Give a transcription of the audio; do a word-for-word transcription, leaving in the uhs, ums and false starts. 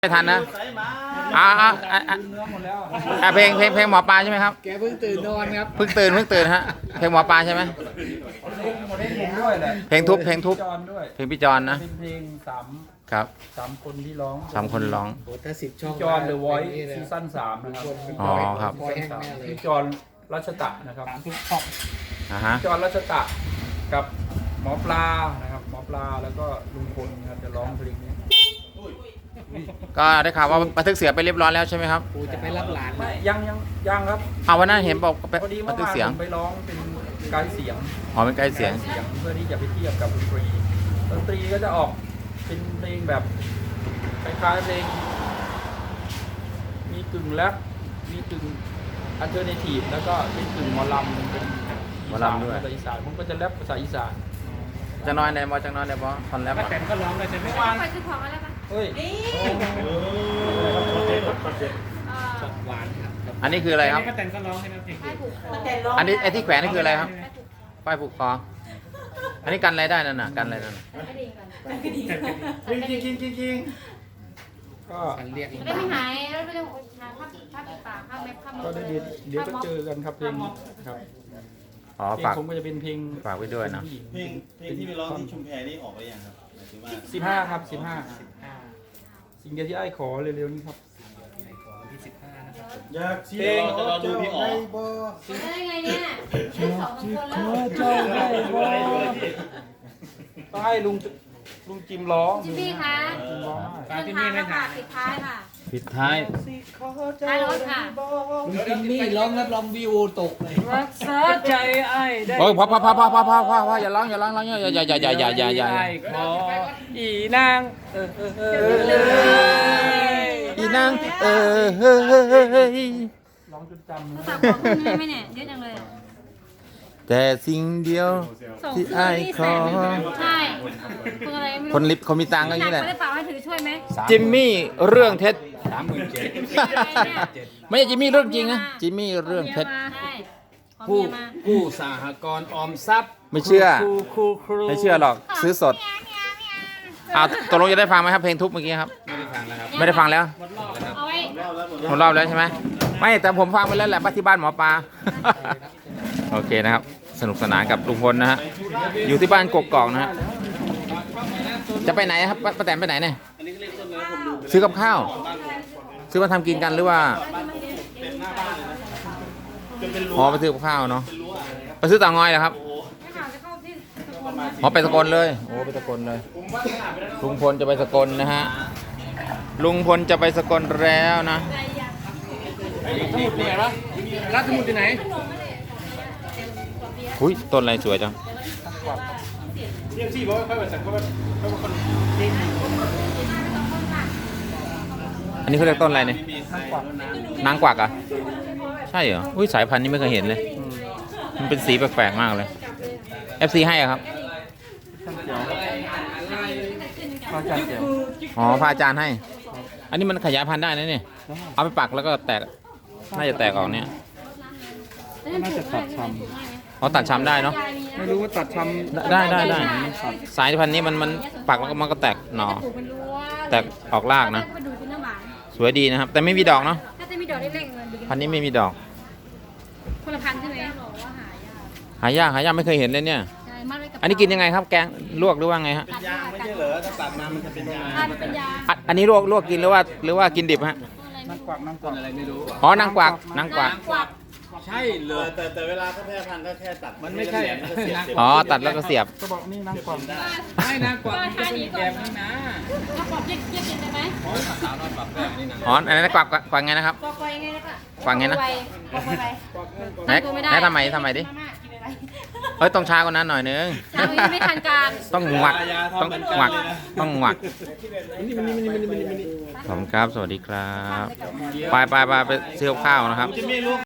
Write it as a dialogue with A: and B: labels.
A: ไม่ทันนะอ่าอ่าอ่าอ่าเพลงเพลงเพลงหมอปลาใช่ไหมครับ
B: แกเพิ่งตื่นนอนครับ
A: เพิ่งตื่นเพิ่งตื่นฮะ เพลงหมอปลาใช่ไหม เพลงทุบเพลงทุบเพลงพี่จอนนะ
C: เป็นเพลงสาม
A: ครับ
C: สามคนที่ร้อง
A: สามคนร้อง
B: โอ้ถ้าสิบช่อง
C: พี่จอน The Voice ซีซั่นสามนะครับ
A: อ๋อครับ
B: คอยแห้งแน่เลย
C: พี่จอนรัชตะนะครับ
A: อ่าฮะ
C: พี่จอนรัชตะกับหมอปลานะครับหมอปลาแล้วก็ลุงพลนะครับจะร้องเพลงนี้
A: ก็ได้ข่าวว่าบันทึกเสียงไปเรียบร้อยแล้วใช่ไหมครับ
B: กูจะไปรับหลาน
C: ไม่ยังยังยังครับ
A: เอาวันนั้นเห็นบอกไป
C: พอดี
A: บั
C: เมื่
A: น
C: อ
A: ทึก
C: วาน
A: เสียง
C: ผมไปร้องเป็นไกด์เสียง
A: อ๋อเป็นใกล้เสียง
C: เสียงเพื่อที่จะไปเทียบกับดนตรีดนตรีก็จะออกเป็นเพลงแบบคล้ายๆเพลงมีกึ่งแรปมีกึ่งอัลเทอร์เนทีฟแล้วก็เป็นกึ่งหมอลำเป็น
A: หมอลำด้วย
C: ภาษาอีสานผมก็จะแรปภาษาอีสาน
A: จะน้อยในบอจะน้อยในบอคอนแรปอ่ะ
B: แต่ก็ร้องได้ใช่ไหม
D: ไปซื้อของอะไรปะ
C: เฮ้ย
B: ช็อตหวานครับ
A: อันนี้คืออะไรครับ
B: ก็แต่ก็ร้องให้นะเพลง
D: ไปผูกคอ
A: อันนี้ไอ้ที่แขวนนี่คืออะไรครับ ป้ายผูกคอ อันนี้กันอะไรได้นั่นน่ะ กันอะไรนั่นน่ะ
D: กระดิ่งก่อนกระดิ่งก่อน
C: จริงจริงจริงจริงก็
B: ฉันเรียก
D: จะได้ไม่หายแล้วไม่ต้องหาภาพภาพปิดปากภาพเม็บภาพ
C: ก็ได้เดี๋ยวเดี๋ยวก็เจอกันครับเพลงนี้ครับ
A: อ๋อ
C: เพลง
A: ฝาก
C: ผมก็จะเป็นเพลง
A: ฝากไว้ด้วยนะ
C: ผู้หญิง
E: เพลงเพลงที่ไปร้องที่ชุมแพนี่ออกไปยังครับหมายถึงว่า
C: สิบห้าครับสิบห้าสิ่งเดียวที่ไอ้ขอเร็วๆนี้ครับ
B: ที่สิบห้านะครับผม
E: อยากเสียงจะรอดูพี่อ๋อ
D: ได้ไงเนี่ยได้สองคนแล้ว
C: ต้องให้ลุงลุงจิมร้อง
D: จิมมี่คะ
C: จิมร้องได้
D: เดินทางแล้วค่ะปิดท้ายค่ะ
A: ปิดท้าย
D: ท้ายรถค่ะ
B: ลุงจิมมี่ร้องรับรองวิวตกเลย
C: รักษาใจไอ้ได้
A: โอ้ยพอพอพอพอพอพอพอพออย่าร้องอย่าร้องร้องอย่าอย่าอย่าอย่าอย่าอย่าอย่า
C: ไอ้ขออีนางเออเออเออเออ
A: อีนางเออเฮ้ย
C: ร้องจนจำ
D: โทรศัพท์ของคุณได้ไหมเนี่ยเยอะจังเลย
A: แต่สิ่งเดียว
D: ส่ง
A: ที่
D: คืน
A: ไอ้าย
D: นี่
A: ข
D: แส
A: อน
D: หนึ่งใช่คืออะไรไม่รู้
A: คนลิฟต์เขามีตังค์ก็อย่างนี้แหละ
D: ไม่ได้เปล่าให้ถือช่วยไหม
A: จิมมี่เรื่องเท็จ
B: สามหมื่นเจ็ด
A: ไม่ใช่จิมมี่เรื่องจริงนะจิมมี่เรื่องเท็จ
D: ใช่ขอ
B: ผู้
D: เมียมา
B: ผู้สหกรณ์ออมทรัพย์
A: ไม่เชื่อ
C: ครูครูครู
A: ไม่เชื่อหรอกซื้อสดอ้าวตกลงจะได้ฟังไหมครับเพลงทุบเมื่อกี้ครับ
B: ไม่ได้ฟังแล้วครับ
A: ไม่ได้ฟังแล้ว
D: เอาไว้
A: หมดรอบแล้วใช่ไหมไม่แต่ผมฟังไปแล้วแหละบ้านที่บ้านหมอปลา โอเคนะครับ สนุกสนานกับลุงพลนะฮะอยู่ที่บ้านกกอกนะฮะจะไปไหนครับป้าป้าแตนไปไหนเนี่ยซื้อกับข้าว ซื้อมาทำกินกันหรือว่าอ๋อไปซื้อกับข้าวเนาะไปซื้อเต่างอยเหรอครับ
D: ไม่ข่าวจะเข้าที่สกลนะ
A: อ๋อไปสกลเลยโอ้ไปสกลเลยลุงพลจะไปสกลนะฮะลุงพลจะไปสกลแล้วนะ
B: รัฐสมุดที่ไหน
A: อุ้ยต้นอะไรสวยจังอันนี้เขาเรียกต้นอะไรเนี่ยนางกวักเหรอ่ะใช่เหรออุ้ยสายพันธุ์นี้ไม่เคยเห็นเลยมันเป็นสีแปลกๆมากเลย เอฟ ซี ให้เหรอครับ
C: พระอาจารย์เจียว
A: อ๋อพระอาจารย์ให้ อันนี้มันขยายพันธุ์ได้นะเนี่ยเอาไปปักแล้วก็แตกน่าจะแตกออกเนี่ย
C: น่าจะตัดช
A: อ๋อตัดช้ำได้เนาะ
C: ำไม่รู้ว่าตัดชำ
A: ได้ได้ได้สายพันธุ์นี้มันมันปักแล้วก็มันก็แตกหน่อ
D: ปลูกเป็นรั้ว
A: แตกออกรากนะ
D: ไปดูเป็นน้ำหวาน
A: สวยดีนะครับ แต่ไม่มีดอกเนาะ
D: ถ้าจะมีดอกเล็กๆเงินดู
A: พันธุ์นี้ไม่มีดอก
D: คนละพันใช่ไหมบอกว่าหายาก
A: หายากหายากไม่เคยเห็นเลยเนี่ย
D: ใช่มัดไว้กับ
A: อันนี้กินยังไงครับแกงลวกหรือว่าไงฮะ
D: ตัด
E: ยางไม่ใช่เหรอถ้าตัดมามันจะเป็นยาง
D: ตัดเป็นยา
A: อ่ะอันนี้ลวกลวกกินหรือว่าหรือว่ากินดิบฮะ
D: อะไร
C: นั่
D: ไม่
C: งกวักนั่งกวัก
B: อะไรไม่รู้
A: อ๋อนางกวักนางกวัก
D: กวัก
B: ใช่เล
E: แต่
B: ย
E: แต่แต่เวลาเขาแพร่พันธุ์ก็แค่ตัด
B: มันไม่ใช่
E: แหลๆแล้วก็เสียบเสียบ
A: อ๋อตัดแล้วก็เสียบ
C: ก็บอกนี่นั่งกวัก
B: ไม่นะกว่ามันจะเป็นแบบนี้นะ
D: ถ้ากวักเยียบเยียบกินได้ไหม
B: สาวน้อยปรับแบบนี้นะ
A: อ๋ออันนั้นกวักกวักกวักไงนะครับ
D: กวักไวไงแล้วก็
A: กวักไงนะ
D: กวักไว
A: ไหน
D: ตั้งตัวไม่ได้
A: ไหนทำไมทำไมดิ
D: มาม่ากินอะไร
A: เอ้ยต้องช้ากว่านั้นหน่อยนึง
D: เช้ายังไม่ทันการ
A: ต้องหวักต้องหวักต้องหวักขอบคุณครับสวัสดีครับ ไปไปไปไปซื้อกับข้าวนะครับ
E: จะไม่รู้